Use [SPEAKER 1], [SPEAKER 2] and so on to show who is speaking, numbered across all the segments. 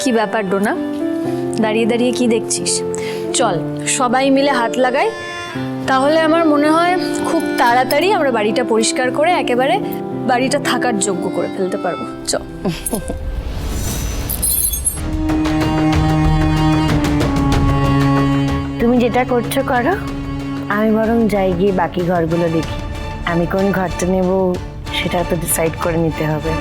[SPEAKER 1] কি ব্যাপার ডোনা, দাঁড়িয়ে দাঁড়িয়ে কি দেখছিস? চল সবাই মিলে হাত লাগাই, তাহলে আমার মনে হয় খুব তাড়াতাড়ি আমরা বাড়িটা পরিষ্কার করে একেবারে বাড়িটা থাকার যোগ্য করে ফেলতে পারবো। চল।
[SPEAKER 2] তুমি যেটা করছো করো, আমি বরং যাই গিয়ে বাকি ঘরগুলো দেখি। আমি কোন ঘরটা নেব সেটা তো ডিসাইড করে নিতে হবে।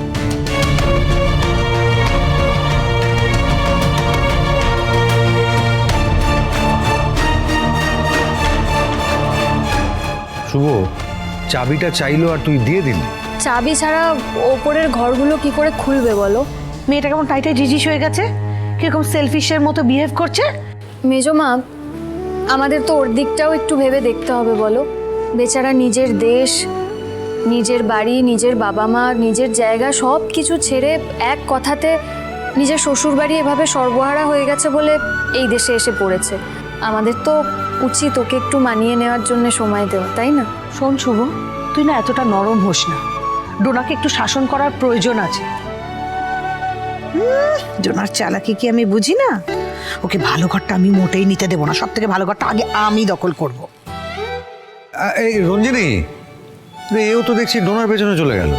[SPEAKER 3] শুভ, চাবিটা চাইলো আর তুই দিয়ে দিলি।
[SPEAKER 1] চাবি ছাড়া ওপরের ঘরগুলো কি করে খুলবে বলো?
[SPEAKER 4] মেয়েটা কেমন টাইটে জিজিস হয়ে গেছে, কিরকম সেলফিশের মতো বিহেভ করছে।
[SPEAKER 1] মেজমা, আমাদের তো ওর দিকটাও একটু ভেবে দেখতে হবে বলো। বেচারা নিজের দেশ, নিজের বাড়ি, নিজের বাবা মা, নিজের জায়গা সব কিছু ছেড়ে এক কথাতে নিজের শ্বশুর বাড়ি এভাবে সর্বহারা হয়ে গেছে বলে এই দেশে এসে পড়েছে। আমাদের তো উচিত ওকে একটু মানিয়ে নেওয়ার জন্য সময় দেওয়া, তাই না?
[SPEAKER 4] শোন শুভ, তুই না এতটা নরম হোস না, ডোনাকে একটু শাসন করার প্রয়োজন আছে। ডোনার চালাকি কি আমি বুঝি না? ওকে ভালো ঘরটা আমি মোটেই নিতে দেবো না, সব থেকে ভালো ঘরটা আগে আমি দখল করব।
[SPEAKER 3] এই রঞ্জিনী, এও তো দেখছি ডোনার পেছনে চলে গেল।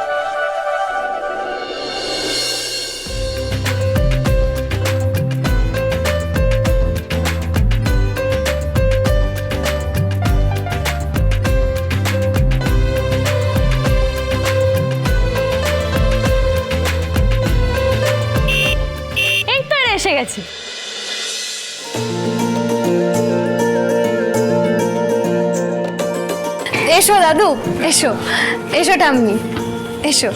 [SPEAKER 1] এই তো এসে গেছে। এসো দাদু, এসো এসো টাম্মি, এসো।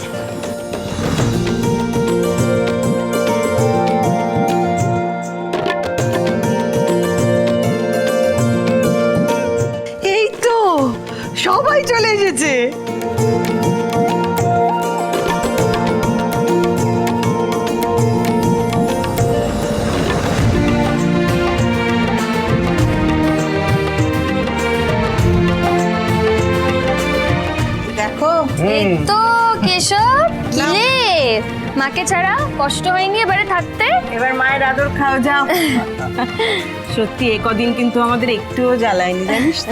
[SPEAKER 4] এই তো সবাই চলে এসেছে। দেখো
[SPEAKER 1] এই তো কেশব, কিলে মাকে ছাড়া কষ্ট হয়নি এবারে থাকতে?
[SPEAKER 5] এবার মায়ের আদর খাও, যাও। সত্যি এ কদিন কিন্তু আমাদের একটুও জ্বালায়নি, জানিস তো।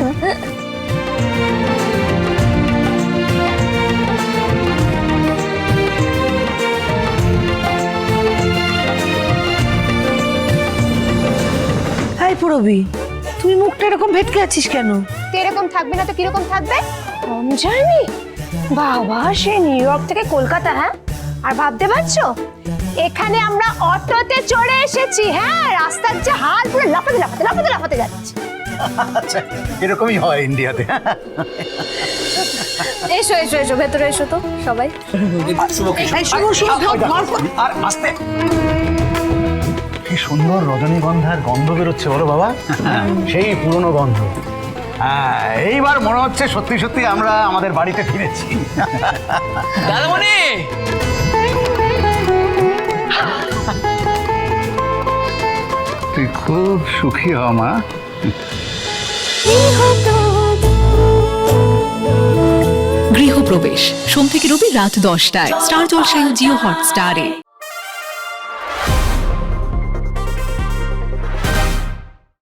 [SPEAKER 4] হাই পুরবি, তুই মুখটা এরকম ভেটকে আছিস কেন?
[SPEAKER 6] এরকম থাকবে না তো কিরকম থাকবে? কম জানি বাবা, সে নিউ ইয়র্ক থেকে কলকাতা। হ্যাঁ, আর ভাবতে পারছো এখানে আমরা অটোতে চড়ে এসেছি। হ্যাঁ, রাস্তার যে হাল পুরো লাফাতে লাফাতে লাফাতে লাফাতে যাচ্ছে।
[SPEAKER 3] আচ্ছা, এরকমই হয় ইন্ডিয়াতে।
[SPEAKER 1] এসো এসো এসো, ভেতরে এসো তো সবাই।
[SPEAKER 4] এই শুভ শুভ ধর
[SPEAKER 3] আর আস্তে। কি সুন্দর রজনীগন্ধার গন্ধ বেরোচ্ছে বলো বাবা, সেই পুরনো গন্ধ। হ্যাঁ, এইবার মনে হচ্ছে সত্যি সত্যি আমরা আমাদের বাড়িতে ফিরেছি।
[SPEAKER 7] দাদামণি,
[SPEAKER 3] তুই খুব সুখী হ মা।
[SPEAKER 8] গৃহপ্রবেশ সোম থেকে রবি রাত 10টায় স্টার জলসায় ও জিও হটস্টারে।